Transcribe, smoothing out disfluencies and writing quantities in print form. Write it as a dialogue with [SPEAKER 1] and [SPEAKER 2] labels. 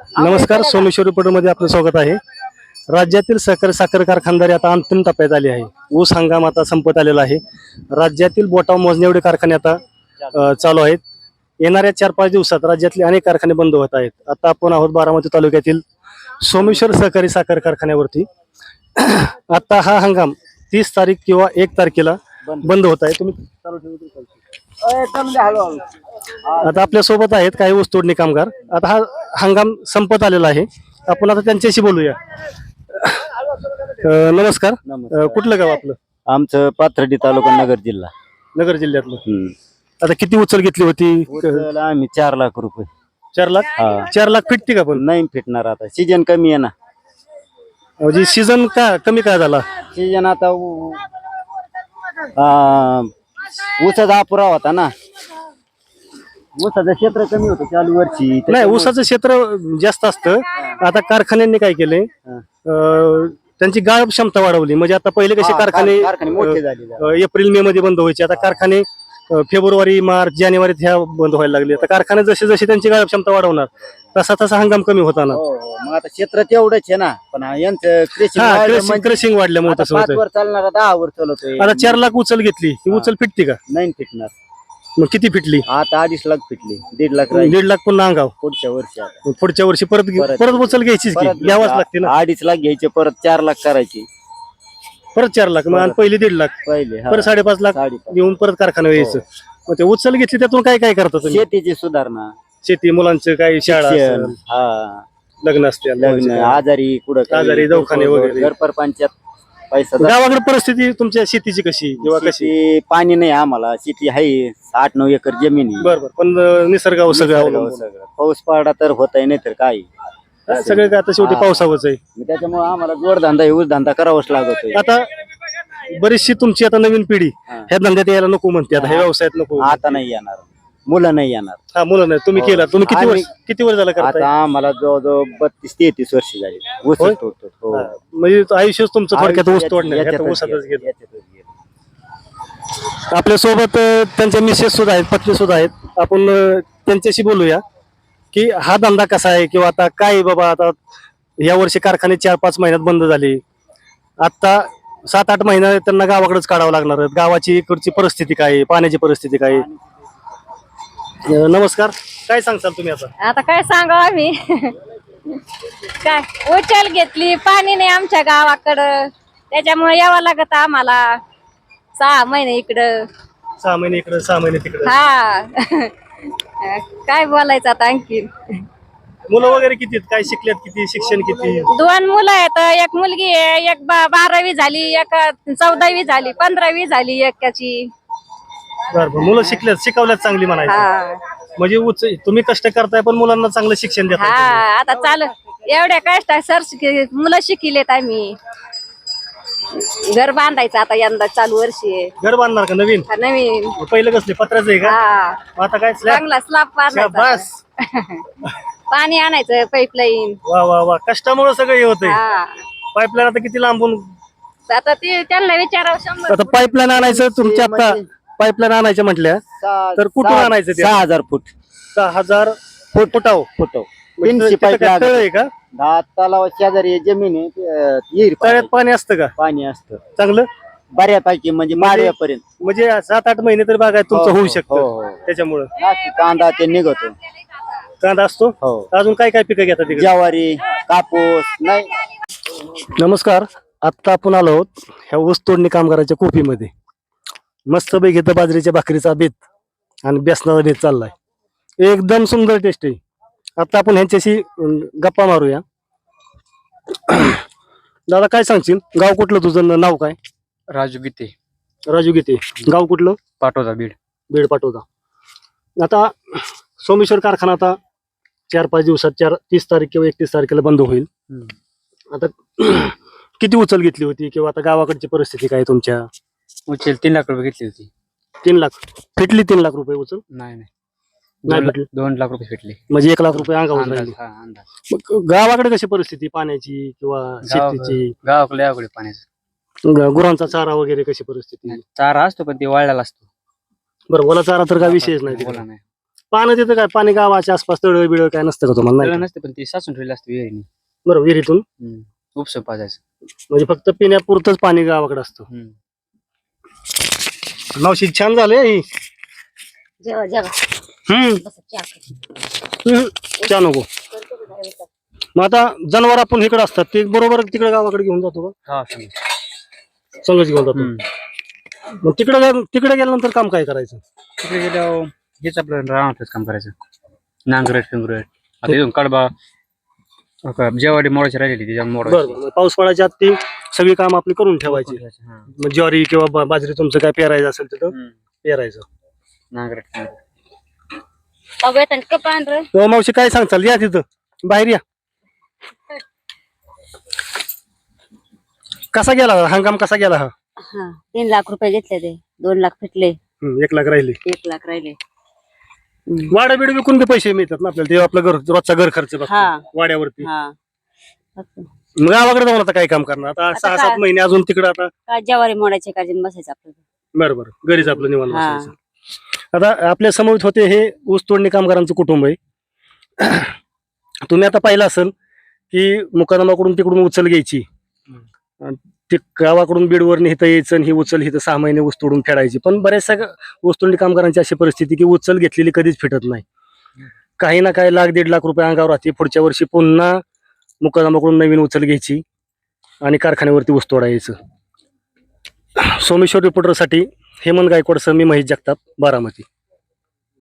[SPEAKER 1] नमस्कार, सोमेश्वर रिपोर्टरमध्ये आपलं स्वागत आहे. राज्यातील साखर कारखानदारी आता अंतिम टप्प्यात आली आहे. ऊस हंगाम आता संपत आलेला आहे. राज्यातील बोटाव मोजणे एवढे कारखाने आता चालू आहेत. येणाऱ्या 4-5 दिवसात राज्यातले अनेक कारखाने बंद होत आहेत. आता आपण आहोत बारामती तालुक्यातील सोमेश्वर सहकारी साखर कारखान्यावरती. आता हा हंगाम 30 तारीख किंवा 1 तारखेला बंद होत आहे. तुम्ही आता आपल्या सोबत आहेत काही ऊस तोडणी कामगार. आता हा हंगाम संपत आलेला आहे. आपण आता त्यांच्याशी बोलूया. नमस्कार. कुठलं गाव आपलं?
[SPEAKER 2] आमचं पाथर्डी तालुका नगर जिल्हा.
[SPEAKER 1] नगर जिल्ह्यातलं. आता किती उचल घेतली होती?
[SPEAKER 2] आम्ही 4 लाख रुपये.
[SPEAKER 1] 4 लाख. 4 लाख फिटते का? पण
[SPEAKER 2] नाही फिटणार, आता सीजन कमी आहे ना.
[SPEAKER 1] म्हणजे सीझन का कमी काय झाला?
[SPEAKER 2] सीजन आता ऊसाचा अपुरा होता ना. ऊसाचं क्षेत्र कमी होतं चालू वर्षी.
[SPEAKER 1] नाही, ऊसाचं क्षेत्र जास्त असतं. आता कारखान्यांनी काय केलंय, त्यांची गाळप क्षमता वाढवली. म्हणजे आता पहिले कसे कारखाने
[SPEAKER 2] मोठे झाले.
[SPEAKER 1] एप्रिल मे मध्ये बंद व्हायचे, आता कारखाने फेब्रुवारी मार्च जानेवारीत ह्या बंद व्हायला लागले. आता कारखाने जसे जसे त्यांची गाळप क्षमता वाढवणार तसा तसा हंगाम कमी होता ना.
[SPEAKER 2] मग आता क्षेत्र तेवढंच आहे ना, पण यांचं
[SPEAKER 1] क्रेशिंग वाढल्यामुळे तसं होतं.
[SPEAKER 2] 5 वर चालणार, 10 वर चालवतोय.
[SPEAKER 1] आता 4 लाख उचल घेतली, ती उचल फिटते का?
[SPEAKER 2] नाही फिटणार.
[SPEAKER 1] मग किती फिटली?
[SPEAKER 2] आता 2.5 लाख फिटली. 1.5 लाख
[SPEAKER 1] 1.5 लाख पुन्हा अंगाव.
[SPEAKER 2] पुढच्या वर्षी आता
[SPEAKER 1] पुढच्या वर्षी परत उचल घ्यायचीच की, घ्यावाच लागते ना.
[SPEAKER 2] 2.5 लाख घ्यायचे, परत 4 लाख करायची.
[SPEAKER 1] परत 4 लाख, मग पहिली 1.5 लाख,
[SPEAKER 2] पहिले
[SPEAKER 1] परत 5.5 लाख घेऊन परत कारखाना यायचं. मग ते उचल घेतली, त्यातून काय काय करता तुम्ही?
[SPEAKER 2] शेतीची सुधारणा,
[SPEAKER 1] शेती, मुलांचं काही शाळा असेल, लग्न असते,
[SPEAKER 2] लग्न, आजारी कुठं
[SPEAKER 1] आजारी दवाखाने वगैरे,
[SPEAKER 2] घर परपंचायत पैसा.
[SPEAKER 1] गावाकडे परिस्थिती तुमच्या शेतीची कशी किंवा कशी?
[SPEAKER 2] पाणी नाही आम्हाला. शेती आहे 8-9 एकर जमीन आहे.
[SPEAKER 1] बरोबर, पण निसर्गावर सगळं अवलंबून.
[SPEAKER 2] पाऊस पडला तर होत नाही तर काय
[SPEAKER 1] सगळं काय आता शेवटी पावसावरच आहे.
[SPEAKER 2] त्याच्यामुळे आम्हाला जोडधंदा ऊस धंदा करावाच लागतोय.
[SPEAKER 1] आता बरीचशी तुमची आता नवीन पिढी ह्या धंद्यात यायला नको म्हणते, आता ह्या व्यवसायात नको.
[SPEAKER 2] आता नाही येणार, मुलं नाही येणार.
[SPEAKER 1] हा, मुलं नाही. तुम्ही केला, तुम्ही किती वर्ष झाला करताय?
[SPEAKER 2] आता आम्हाला जवळजवळ 32-33 वर्ष झाली ऊस तोडतो.
[SPEAKER 1] म्हणजे आयुष्यच तुमचं थोडक्यात ऊस तोडण्यात ऊसातच गेलं. आपल्या सोबत त्यांच्या मिसेस सुद्धा आहेत, पत्नी सुद्धा आहेत. आपण त्यांच्याशी बोलूया की हा धंदा कसा आहे, किंवा आता काय बाबा. आता या वर्षी कारखाने 4-5 महिन्यात बंद झाले. आता 7-8 महिना त्यांना गावाकडेच काढावं लागणार. गावाची इकडची परिस्थिती काय आहे, पाण्याची परिस्थिती काय आहे? नमस्कार, काय सांगताल तुम्ही?
[SPEAKER 3] आता काय सांगावं आम्ही. काय उचल घेतली, पाणी नाही आमच्या गावाकडं, त्याच्यामुळे यावं लागत आम्हाला. 6 महिने इकडं,
[SPEAKER 1] 6 महिने इकडं, 6 महिने तिकडं.
[SPEAKER 3] हा. काय बोलायचं आता आणखी?
[SPEAKER 1] मुलं वगैरे किती आहेत? काय शिकल्यात? किती शिक्षण? किती?
[SPEAKER 3] 2 मुलं आहेत. एक मुलगी आहे, एक 12वी झाली, एक 14वी झाली, 15वी झाली एकाची.
[SPEAKER 1] बरोबर, मुलं शिकल्यात, शिकवल्यात चांगली म्हणायचं.
[SPEAKER 3] हा
[SPEAKER 1] म्हणजे तुम्ही कष्ट करताय पण मुलांना चांगलं शिक्षण देताय.
[SPEAKER 3] हा, आता चालू एवढ्या कष्ट मुलं शिकिलेत आम्ही. घर बांधायचं आता यंदा चालू वर्षी आहे.
[SPEAKER 1] घर बांधणार का नवीन?
[SPEAKER 3] नवीन.
[SPEAKER 1] पहिलं कसले पत्राचं आहे का?
[SPEAKER 3] हा,
[SPEAKER 1] आता काय
[SPEAKER 3] चांगला स्लॅब बांधायचा.
[SPEAKER 1] बस.
[SPEAKER 3] पाणी आणायचं, पाईपलाईन.
[SPEAKER 1] वा वा वा, कष्टामुळे सगळं हे होतंय.
[SPEAKER 3] हा,
[SPEAKER 1] पाईपलाईन आता किती लांबून?
[SPEAKER 3] आता ते त्यांना विचारावं 100.
[SPEAKER 1] आता पाईपलाईन आणायचं तुमच्या, आता पाईपलाईन आणायच्या म्हटल्या तर कुठून आणायचं ते?
[SPEAKER 2] 6,000 फूट.
[SPEAKER 1] 6,000 फुटाव.
[SPEAKER 2] तीनशे पाईप
[SPEAKER 1] तळ आहे का?
[SPEAKER 2] 10 तलावा शेजारी जमीन आहे.
[SPEAKER 1] तळ्यात पाणी असतं का?
[SPEAKER 2] पाणी असतं
[SPEAKER 1] चांगलं
[SPEAKER 2] बऱ्यापैकी, म्हणजे माडव्यापर्यंत.
[SPEAKER 1] म्हणजे 7-8 महिने तर बागायत तुमचं होऊ शकतं.
[SPEAKER 2] हो.
[SPEAKER 1] त्याच्यामुळं
[SPEAKER 2] कांदा ते निघतो.
[SPEAKER 1] कांदा असतो. अजून काय काय पिकं घेतात तिकडे?
[SPEAKER 2] ज्वारी, कापूस नाही.
[SPEAKER 1] नमस्कार, आता आपण आलो आहोत ह्या ऊस तोडणी कामगाराच्या कोपीमध्ये. मस्त पैकी इथं बाजरीच्या भाकरीचा बेत आणि बेसनाचा बेत चाललाय. एकदम सुंदर टेस्ट आहे. आता आपण ह्यांच्याशी गप्पा मारूया. दादा, काय सांगशील? गाव कुठलं तुझं? नाव काय?
[SPEAKER 4] राजू गीते.
[SPEAKER 1] राजू गीते. गाव कुठलं?
[SPEAKER 4] पाटोदा, बीड.
[SPEAKER 1] बीड पाटोदा. आता सोमेश्वर कारखाना आता 4-5 दिवसात 30 तारीख किंवा 31 तारखेला बंद होईल. आता किती उचल घेतली होती, किंवा आता गावाकडची परिस्थिती काय तुमच्या?
[SPEAKER 4] उचल 3 लाख रुपये घेतली होती.
[SPEAKER 1] 3 लाख फिटली? 3 लाख रुपये उचल?
[SPEAKER 4] नाही,
[SPEAKER 1] 2
[SPEAKER 4] लाख रुपये फिटले.
[SPEAKER 1] म्हणजे 1 लाख रुपये अंगावर राहिले.
[SPEAKER 4] अंदाज.
[SPEAKER 1] मग गावाकडे कशी परिस्थिती पाण्याची किंवा शेतीची?
[SPEAKER 4] गावाकडे पाण्याचं.
[SPEAKER 1] गुरांचा चारा वगैरे कशी परिस्थिती?
[SPEAKER 4] चारा असतो पण ते वाळलेला असतो.
[SPEAKER 1] बरं, ओला चारा तर काय विषयच नाही
[SPEAKER 4] बोला
[SPEAKER 1] तिकडे.
[SPEAKER 4] नाही.
[SPEAKER 1] पाणी तिथं काय पाणी गावाच्या आसपास तळ बिळ काय नसतं का तुम्हाला नाही
[SPEAKER 4] त्याला
[SPEAKER 1] का?
[SPEAKER 4] नसते पण ते साचून ठेवले असते विहिरीने.
[SPEAKER 1] बरोबर विहिरीतून
[SPEAKER 4] उपसं पाजायचं.
[SPEAKER 1] म्हणजे फक्त पिण्यापुरतंच पाणी गावाकडे असतं. मावशी छान झालंय ही.
[SPEAKER 3] जेव्हा जेव्हा
[SPEAKER 1] चहा नको. मग आता जनावर आपण इकडे असतात ते बरोबर तिकडे गावाकडे घेऊन जातो का?
[SPEAKER 4] हा
[SPEAKER 1] संघच घेऊन जातो. मग तिकडे गेल्यानंतर काम काय करायचं?
[SPEAKER 4] तिकडे गेल्यावर हेच आपलं रानातच काम करायचं. नांगरट फिंगरट आता इथून कडबा जेवाडी मोडायची राहिलेली त्याच्या मोडायची.
[SPEAKER 1] बरोबर पाऊस पडायच्या आत ती सगळी काम आपली करून ठेवायची.
[SPEAKER 4] हा.
[SPEAKER 1] मग ज्वारी किंवा बाजरी तुमचं काय पेरायचं असेल तिथं पेरायचं.
[SPEAKER 4] नांगरट
[SPEAKER 3] पांढरं
[SPEAKER 1] हो मावशी काय सांगताल या तिथं बाहेर या. कसा गेला हंगाम कसा गेला हा?
[SPEAKER 3] 3 लाख रुपये घेतले ते 2 लाख फिटले
[SPEAKER 1] 1 लाख राहिले.
[SPEAKER 3] 1 लाख राहिले.
[SPEAKER 1] वाडा बीड विकून बी पैसे मिळतात ना आपल्याला ते आपलं घर रोजचा घर खर्च बसतो वाड्यावरती. मग गावाकडे जाऊन आता काय काम करणार आता 6-7 महिने अजून तिकडे आता
[SPEAKER 3] काय ज्वारी मोडायचे काढून बसायचं आपलं.
[SPEAKER 1] बरोबर घरीच आपलं निवांत बसायचं. आता आपल्या समोर होते हे ऊस तोडणी कामगारांचं कुटुंब आहे. तुम्ही आता पाहिलं असेल की मुकादमाकडून तिकडून उचल घ्यायची ते गावाकडून बीडवर इथं यायचं आणि ही उचल इथं 6 महिने ऊस तोडून फेडायची. पण बऱ्याचशा ऊस तोडणी कामगारांची अशी परिस्थिती की उचल घेतलेली कधीच फिटत नाही. काही ना काही 1-1.5 लाख रुपये अंगावर राहते. पुढच्या वर्षी पुन्हा मुकादमाकडून नवीन उचल घ्यायची आणि कारखान्यावरती ऊस तोडायचं. सोमेश्वर रिपोर्टरसाठी हेमंत गायकवाड सर, मी महेश जगताप, बारामती.